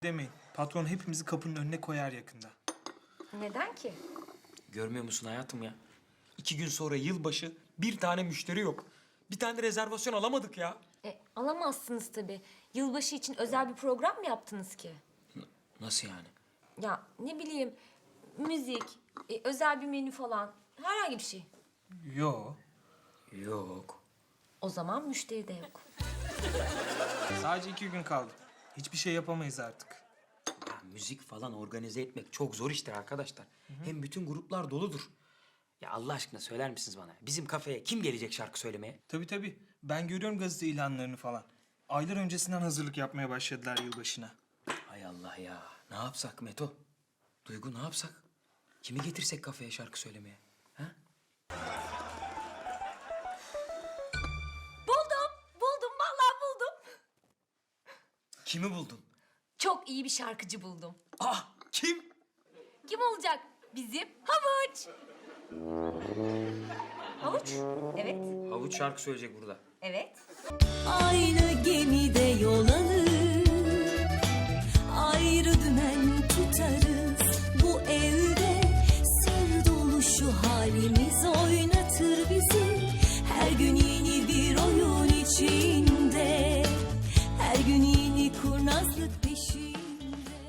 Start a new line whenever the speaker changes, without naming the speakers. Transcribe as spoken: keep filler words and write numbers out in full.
Demeyin. Patron hepimizi kapının önüne koyar yakında.
Neden ki?
Görmüyor musun hayatım ya? İki gün sonra yılbaşı bir tane müşteri yok. Bir tane de rezervasyon alamadık ya.
E, alamazsınız tabii. Yılbaşı için özel bir program mı yaptınız ki?
N- nasıl yani?
Ya ne bileyim, müzik, e, özel bir menü falan. Herhangi bir şey.
Yo.
Yok.
O zaman müşteri de yok.
Sadece iki gün kaldı. Hiçbir şey yapamayız artık.
Ya müzik falan organize etmek çok zor iştir arkadaşlar. Hem bütün gruplar doludur. Ya Allah aşkına söyler misiniz bana? Bizim kafeye kim gelecek şarkı söylemeye?
Tabii tabii. Ben görüyorum gazete ilanlarını falan. Aylar öncesinden hazırlık yapmaya başladılar yılbaşına.
Hay Allah ya. Ne yapsak Meto? Duygu ne yapsak? Kimi getirsek kafeye şarkı söylemeye? Ha?
Buldum, buldum, vallahi buldum.
Kimi buldun?
Çok iyi bir şarkıcı buldum.
Ah kim?
Kim olacak? Bizim Havuç. Havuç? Evet,
Havuç şarkı söyleyecek burada.
evet.
Aynı gemide yol alır.